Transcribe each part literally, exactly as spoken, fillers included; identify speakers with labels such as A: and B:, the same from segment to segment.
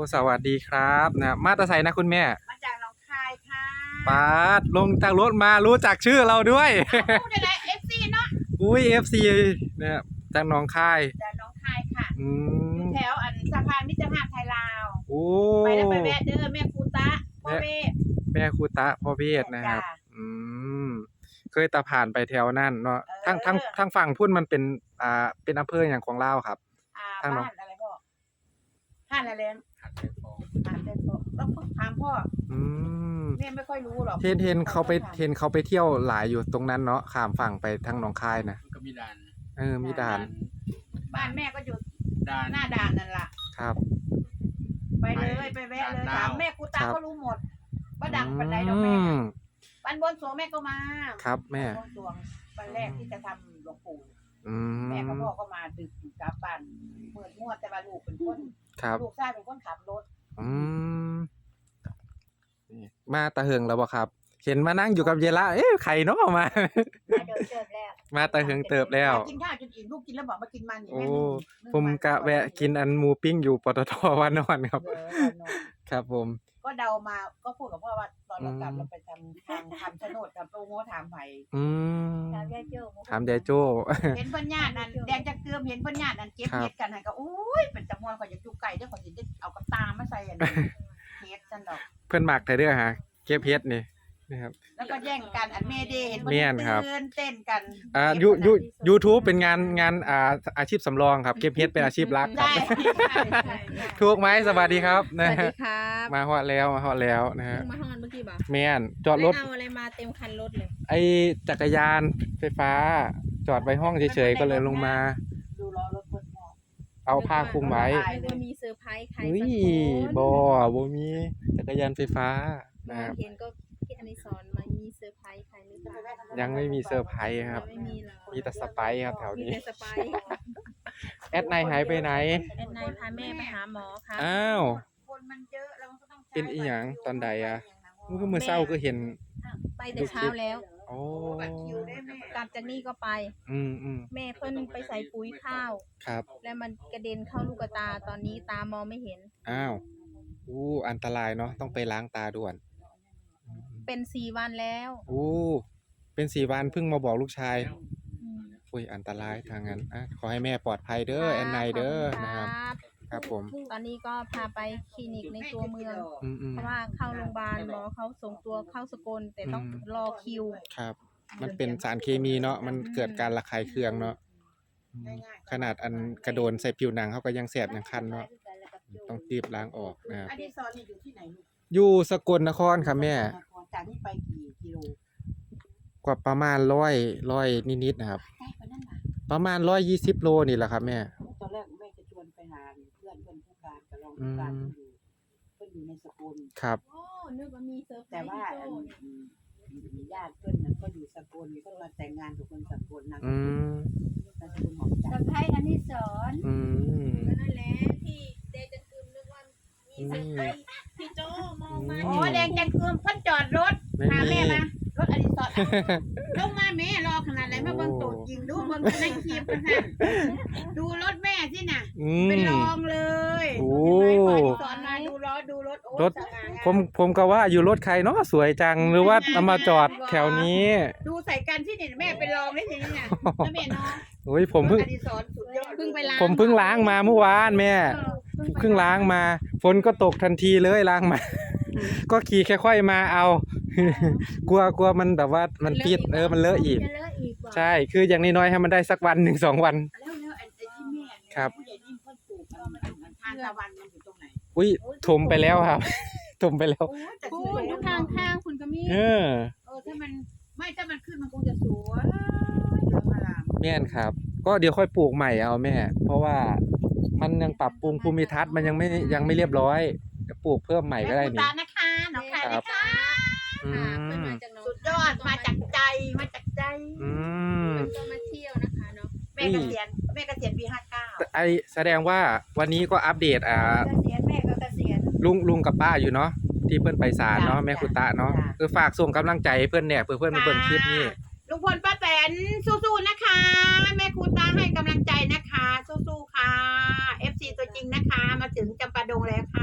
A: สวัสดีครับนะมาตาไซนะคุณแม่
B: มาจากหนองคายค่ะ
A: ปาดลงจากรถมารู้จักชื่อเราด้วย
B: พูดได้เอฟซีเนาะ
A: อุ้ยเอฟซีเนี่ยจากหนองคาย
B: จากหนองคายค่ะ
A: อืม
B: แถวอันสะพานมิตรภาพไทยลาว
A: โอ้
B: ไปแล้วไปแวะเด้อแม่ครูตะพ่อเวท
A: แม่ครูตะพ่อเวทนะครับอืมเคยตาผ่านไปแถวนั่นเนาะทั้งทั้งทั้งฝั่งพุ่นมันเป็นอ่าเป็นอำเภออย่างของลาวครับ
B: ทางบ้านอะไรพ่อห้านอะไรเลี้ยงห้านเต้นพ่อห้านเต้นพ่อต้องถามพ่อ
A: อืม
B: แม่ไม่ค่อยรู้หรอก
A: เทนเทนเขาไปเทนเขาไปเที่ยวหลายอยู่ตรงนั้นเนาะข้ามฝั่งไปทางหนองคายนะ
C: ก็มีด่าน
A: เออมีด่าน
B: บ้านแม่ก็อยู่
C: ด่าน
B: หน้าด่านนั่นแหละ
A: ครับ
B: ไปเลยไปแวะเลยถามแม่ครูตาก็รู้หมดว่าดังปันไดดอกแม่วันบนสวงแม่ก็มา
A: ครับแม่
B: บนสวงวันแรกที่จะทำหลวงปู่
A: แ
B: ม่กับพ่อก็มาดึกกลับบ้านเมื่อมั่วแต่ว่าลูกเป็นคนลูกชายเป็นคนขับรถ
A: อืมมาตะเหิงแล้วบ่ครับเห็นมานั่งอยู่กับเยละเอ๊ะใครเนาะมา
B: มาเดินเติบแล้ว
A: มาตะเหิงเติบแล้ว
B: กินข้าวจนอิ่มลูกกินแล้วบอกมากินมัน
A: โอ้ผมกะแวะกินอันหมูปิ้งอยู่ปตท.วานอนครับครับผม
B: ก็เดามาก็พูดกับพ่อว่าตอนเรากลับเราไปทำทางทำโฉนดกับโปรโมทถามไผ่
A: อืม
B: ถามยายโจ้
A: ถามยายโจ้
B: เห็นเพิ่นญาตินั่นแดงจักเติมเห็นเพิ่นญาตินั่นเก็บเห็ดกันให้ก็อุ้ยเป็นจำนวนข่อยจะจุกไก่เด้อข่อยสิได้เอากับตามาใส่อันนี้เฮ็ดซั่นดอก
A: เพิ่นมักแต่เด้อฮะเก็บเฮ็ดนี่นะครับ
B: แล้วก็แย่งกันอันเมเดเห็นเพิ่นตื่นเต้นกัน
A: อ่ายูยู YouTube เป็นงานงานอ่าอาชีพสำรองครับเก็บเฮ็ดเป็นอาชีพหลักครับถูกไหมสวัสดีครับ
D: สวัสดีครับ
A: มาฮอดแล้วมาฮอดแล้วนะฮะ
D: มาฮอดเมื่อกี้บ่
A: แม่นจอดรถ
D: เอาอะไรมาเต็มคันรถเลย
A: ไอ้จักรยานไฟฟ้าจอดไว้ห้องเฉยๆก็เลยลงมา
B: ดูล้อรถเพิ่น
A: เอาผ้าคลุมไว้
D: บ่มีเซอร์ไพรส์ใคร
A: สักคนบ่บ่มีจักรยานไฟฟ้านะครับ
D: เห็นก็พี่อนิสรมามีเซอร์ไพรส์ใครหรือเปล่า
A: ยังไม่มีเซอร์ไพรส์ครับมีแต่สไปร์ครับแถวนี้แอดไนหายไปไหน
D: แอดไนพาแม่ไปหาหมอค่ะ
A: อ้าว
B: คนมันเยอะเราก็ต้อง
A: เป็นอีหยังตอนใดอ่ะเมื่อมื้อเช้าก็เห็น
D: ไปแต่เช้าแล้ว
A: โอ้
D: กลับจากนี่ก็ไป
A: อืมอืม
D: แม่เพิ่นไปใส่ปุ๋ยข้าว
A: ครับ
D: แล้วมันกระเด็นเข้าลูกตาตอนนี้ตามองไม่เห็น
A: อ้าวอู้อันตรายเนาะต้องไปล้างตาด่วน
D: เป็นสี่วันแล้ว
A: อู้เป็นสี่วันเพิ่งมาบอกลูกชายอุ้ยอันตรายทางนั้นอ่ะขอให้แม่ปลอดภัยเด้อแอนไนเด้อนะครับครับผม
D: ตอนนี้ก็พาไปคลินิกในตัวเมืองเพราะว่าเข้าโรงพยาบาลหมอเขาส่งตัวเข้าสกลแต่ต้องรอคิว
A: ครับมันเป็นสารเคมีเนาะมันเกิดการระคายเคืองเนาะขนาดอันกระโดนใส่ผิวหนังเขาก็ยังแสบยังคันเนาะต้องรีบล้างออกนะครับ
B: อดีศรนี่อยู่ที่ไหนลูก
A: อยู่สกลนครครับแม่
B: จากนี้ไปกี่กิโล
A: กว่าประมาณร้อยร้อยนิดๆนะครับประมาณร้อยยี่สิบโลนี่แหละครับแม่
B: ตอนแรกแม่จะชวนไปหาเพื่อนเพื่อนผู้การกับรองผู้การอยู่เพื่อนอยู่ในสกล
A: ครับ
D: โอ้นึกว่ามีเซอร์ไพรส์
B: แต่ว่าญาติเพื่อนนั้นก็อยู่สกลก็มาแต่งงานกับคนสกลนะ
A: อืม
B: เซอร์ไพรส์อันนี้สอน
A: อืม
D: นั่นแหละที่เดจันคืมนึกว่ามีเซอร์ไพรส์พี่โจมองมา
B: โอ้แดงจันคืมเพิ่นจอดรถพาแม่มารถอดิศรลงมาแม่รอขนาดไหนมาเบิ่งตัวจริงดูเบิ่งในคลิปกันค่ะดูรถแม่สิน่ะเป็นรองเลย
A: โอ้
B: สอนมาดูล้อดูรถโอ้
A: รถผมผมก็ว่าอยู่รถใครเนาะสวยจังหรือว่าเอามาจอดแถวนี้
B: ดูใส่กันที่นี่แม่เป็นรองได้ทีนี้น่ะแล้วแม่น้อง
A: โอ้ยผมเพิ่ง
D: เพิ่งไปล้าง
A: ผมเพิ่งล้างมาเมื่อวานแม่เพิ่งล้างมาฝนก็ตกทันทีเลยล้างมาก็ขี่แค่ค่อยมาเอากลัวกลัวมันแบบว่ามันติดเออมันเลอะอีกใช่คืออย่างน้อยๆให้มันได้สักวันหนึ่งสองวันครับอุ้ยถมไปแล้วครับถมไปแล้ว
D: คุณทุกทางข้างคุณก็มี
A: เออ
B: เออถ้ามันไม่ถ้ามันขึ้นมันคงจะสวย
A: แม่นครับก็เดี๋ยวค่อยปลูกใหม่เอาแม่เพราะว่ามันยังปรับปรุงภูมิทัศน์มันยังไม่ยังไม่เรียบร้อยจะปลูกเพิ่มใหม่ก็ได้นี่
B: นะคะน้องค่ะนะคะสุดยอดมาจากใจมาจากใจ
A: อืม
D: ก็มาเที่ยวนะคะเนาะ
B: แม่เกษียณแม่เกษียณปีห้าเก้า
A: ไอแสดงว่าวันนี้ก็อัปเดตอ่า
B: เกษียณแม่ก็เกษียณ
A: ลุงลุงกับป้าอยู่เนาะที่เพื่อนไปศาลเนาะแม่คุณตาเนาะคือฝากส่งกำลังใจเพื่อนเนี่ยเพื่อนเพื่อนมาเบิ่งคลิปนี้
B: ลุงพลป้าแตนสู้ๆนะคะแม่คุณตาให้กำลังใจนะคะสู้ๆค่ะ เอฟ ซี ตัวจริงนะคะมาถึงจำปาดงแล้วค่ะ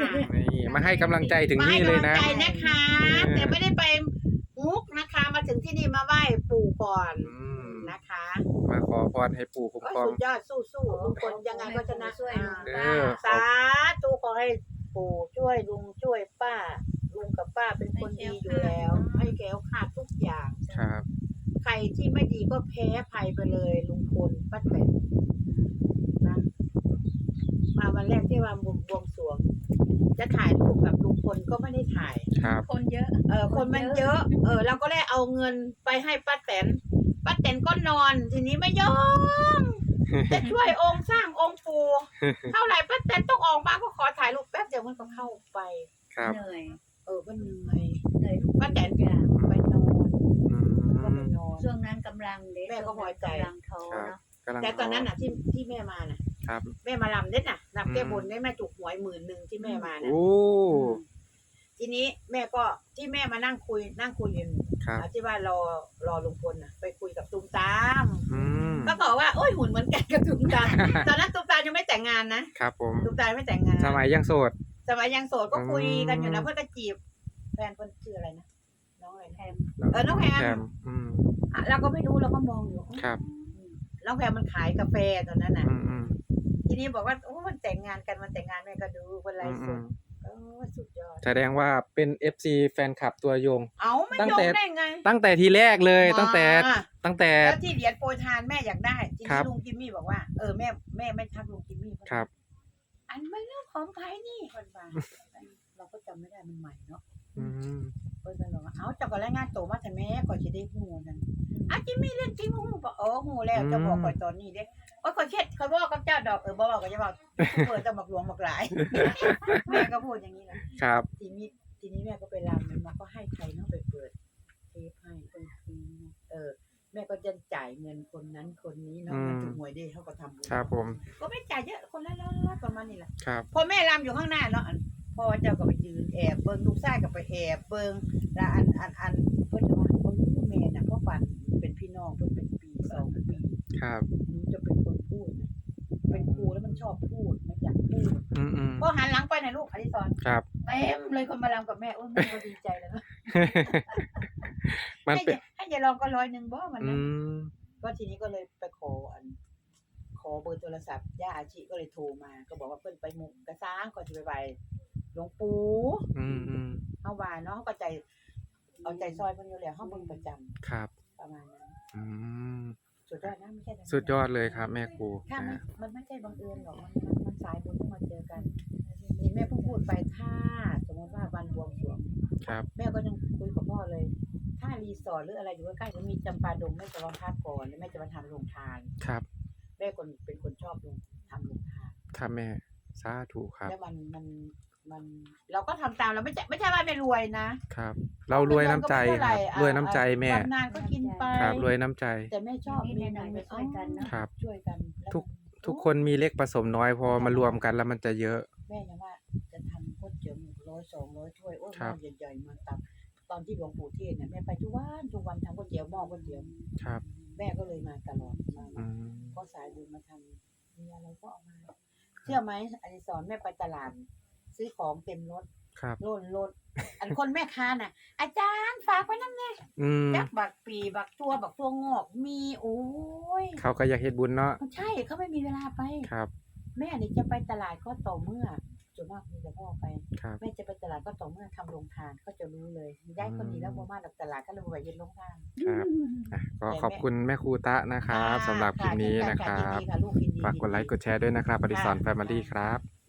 A: นี่มาให้กำลังใจถึง
B: มาให้
A: นี่เลย
B: กำลั
A: นะ
B: ใจนะคะ
A: เออ
B: แต่ไม่ได้ไปมุกนะคะ มาถึงที่นี่มาไหว้ปู่ก่อน
A: อืม
B: นะคะ
A: มาขอพรให้ปู่คุ้ม
B: ก็
A: ครอง
B: สุดยอดสู้ๆลุงพลยังไงก็ชนะ
D: ช่วยลุง
A: เอ
D: ป้า
A: อ
B: สาธุขอให้ปู่ช่วยลุงช่วยป้า ลุงกับป้าเป็นคนดีอยู่แล้ว ให้แก้วขาดทุกอย่าง
A: ครับ
B: ใครที่ไม่ดีก็แพ้ภัยไปเลยลุงพลป้าแตนนะมาวันแรกที่วันบวงบวงสรวง จะถ่ายรูปกับลุงพลก็ไม่ได้ถ่าย
A: ครับ
D: คนเยอะ
B: เออคนมันเยอะ เออเราก็เลยเอาเงินไปให้ป้าแตนป้าแตนก็นอน ทีนี้ไม่ยอมจะช่วยองค์สร้างองค์ปู่เท่าไหร่ป้าแตนต้องออกมาก็ขอถ่ายรูปแป๊บเดียวมันก็เข้าไป
A: ครับ
C: เหนื่อย
B: เออก็เหนื่อย
C: เหนื่อยทุก
B: ป้าแตน
C: ทุกอย่าง
B: ไปนอน
A: อื
B: ก็ไป
A: ม
B: นอน
C: ช่วงนั้นกำลังเด็ก
B: แม่ก็พอใจ
C: กำลังท้อ
A: ครับ
C: เนาะ
A: กำลัง
B: แต่ตอนนั้นน่ะที่ที่แม่มาน่ะ
A: ครับ
B: แม่มาลำเด็ดน่ะลำแก้
A: อืม
B: บนได้แม่ถูกหวยหมื่นหนึ่งที่แม่มาน่ะ
A: โอ้
B: ทีนี้แม่ก็ที่แม่มานั่งคุยนั่งคุยอยู่
A: ครับ
B: อ่ะที่ว่ารอรอลุงพลน่ะ ไปคุยกับตุ้มตาม
A: อืม
B: ก็บอกว่าโอ้ยหุ่นเหมือนกันกับตุ้มตาม ตอนนั้นตุ้มตามยังไม่แต่งงานนะครับ
A: ผม
B: ตุ้มตามไม่แต่งงาน
A: สมัยยังโสด
B: สมัยยังโสดก็คุยกันอยู่นะ
A: อืม
B: เพื่อนก็จีบแฟนคนชื่ออะไรนะน้องอะไรนะ
C: แถม
B: เออน้องแพม
A: อืม
B: อ่ะเราก็ไม่รู้เราก็มองอยู่
A: ครับ
B: น้องแพมมันขายกาแฟตอนนั้นน่ะ
A: อืมอืม
B: ทีนี้บอกว่าโอ้มันแต่งงานกันมันแต่งงานแม่ก็ดูคนไร
A: อืม
B: ส
A: อื
B: ด
A: ม
B: โอ้สุดยอด
A: แสดงว่าเป็น เอฟ ซี แฟนคลับตัวยง
B: เอาไม่
A: ตั้ง
B: ยอ
A: แต่
B: มได้ไง
A: ตั้งแต่ทีแรกเลย
B: มา
A: ตั้งแต่ตั้งแต่
B: แล้วที่เหรียญโปรยทานแม่อยากได้ที
A: ครั
B: นี้
A: บ
B: ลุงจิมมี่บอกว่าเออแม่แม่ไม่ทักลุงจิมมี่
A: ครับ
B: อันไม่เรื่องของใครนี่คนฟังเราก็จำไม่ได้มันใหม่เนาะ
A: อืม
B: เพิ่นก็บอกว่าเอาเจ้าก็รายงานตัวมาแต่แม่ก่อนสิได้ฮู้นั่นอ่ะจิมมี่เรื่องจริงฮู้บอกเออฮู้แล้วจะบอกก่อนตอนนี้เด้โอ้ยขอยเครียดขอยบอกกับเจ้าดอกเออบ่บอกก็จะบอกเปิดจะบอกหลวงบอกหลาย แม่ก็พูดอย่างนี้นะครับ ทีนี้ทีนี้แม่ก็ไปรำมันมาก็ให้ใครเนาะไปเปิดเทปให้เปิดทีเออ แม่ก็จะจ่ายเงินคนนั้นคนนี้เนาะ
A: อืม
B: มันถูกหวยดีเขาก็ทำบุญ
A: ครับผม
B: ก็ไม่จ่ายเยอะคนละร้อยประมาณนี้แหละ
A: ครับ
B: พอแม่รำอยู่ข้างหน้าเนาะอันพ่อเจ้าก็ไปยืนแอบเบิ่งลูกชายก็ไปแอบเบิ่งแล้วอันอันอันเพิ่นจะว่าเออแม่น่ะพ่อปันเป็นพี่น้องเพิ่นเป็นปีสองปี
A: ครับ
B: หนูจะเป็นคนพูดนะเป็นครูแล้วมันชอบพูดมันอยากพูด
A: อืมอืม
B: พอหันหลังไปนะลูกอดิศร
A: ครับ
B: เต็มเลยคนมารำกับแม่โอ้ยแม่ก็ดีใจแล้วนะ
A: มัน
B: ให้
A: เป็น
B: ยายให้ยายลองก็ร้อยหนึ่งบ่มัน
A: อื
B: นะ
A: ม
B: ก็ทีนี้ก็เลยไปขออัน ขอเบอร์โทรศัพท์ย่าอาชิก็เลยโทรมา ก็บอกว่าเพิ่นไปหมุกกระซ้างก่อนจะไปไหว้หลวงปู่
A: อืมอืม
B: เฮาว่าเนาะเฮาก็ใจเอาใจซอยเพิ่นอยู่แล้วเฮาเบิ่งประจำ
A: ครับ
B: ประมาณนั้น
A: อืม
B: สุดยอดนะไม่ใช่ธรรมดา
A: สุดยอดเลยครับ แม่ครู
B: ถ้ามัน
A: นะ
B: มันไม่ใช่บังเอิญหรอกมันมันมันสายบุญต้องมาเจอกันนี่แม่เพิ่งพูดไปถ้าสมมติว่าวันบวงสรวง
A: ครับ
B: แม่ก็ยังคุยกับพ่อเลย ถ้ารีสอร์ทหรืออะไรอยู่ใกล้ๆจะมีจำปาดงแม่จะลองพักก่อนแล้วแม่จะมาทำโรงทาน
A: ครับ
B: แม่คนเป็นคนชอบลงทำโรงทาน
A: ครับแม่ สาธุครับ
B: แล้วมันมันมัน เราก็ทำตามเราไม่ใช่ไม่ใช่ว่าไม่รวยนะครับ
A: เรารวยน้ำใจ
B: เงินก็
A: ค
B: ไม่
A: รับ
B: เท่าไห
A: รวยน้ำใจแม่
B: บำนานก็กินไป
A: ครับ รวยน้ำใจ
B: แต่แม่ชอบ
C: นิดหน่อยๆไปช่วยกันเนาะ
A: ครับ
B: ช่วยกันแล้ว
A: ทุก
B: มัน
A: ทุกคนมีเล็กผสมน้อยพอมารวมกันแล้วมันจะเยอะ
B: แม่ยังว่าจะทำก๋วยเตี๋ยวหนึ่งร้อยสองร้อยถ้วยโอ้ยห
A: ครั
B: ม้อบ ใหญ่ๆมาตักตอนที่หลวงปู่เทศน์เนี่ยแม่ไปทุกวันทุกวันทำก๋วยเตี๋ยวหม้อก๋วยเตี๋ยว
A: ครับ
B: แม่ก็เลยมาตลอดมา
A: อืม
B: ก็สายบุญมาทำมีอะไรก็เอามา เชื่อไหมอดิศรแม่ไปตลาด ซื้อของเต็มรถ
A: ครับ
B: โล่นรถอันคนแม่ค้าน่ะ อาจารย์ฝากไว้นั่นไง
A: อืม
B: จักบักปีบักตัวบักตัวงอกมีโอ้ย
A: เขาก็อยากเฮ็ดบุญเนาะ
B: ใช่เขาไม่มีเวลาไป
A: ครับ
B: แม่นี่จะไปตลาดก็ต่อเมื่อส่วนมากมีแต่พ่อไป
A: ครับ
B: แม่จะไปตลาดก็ต่อเมื่อทำโรงทานก็จะรู้เลยย้ายคนนี้แล้วบ่มาจากตลาดก็เลยไปยืนโรงทาน
A: ครับอ่ะก็ขอบคุณแม่ครูตะนะครับสำหรับคลิปนี้นะครับ
B: ยินดีค่ะลูกยินดี
A: ฝากกดไลค์กดแชร์ด้วยนะครับปฏิสอนแฟมิลี่ครับ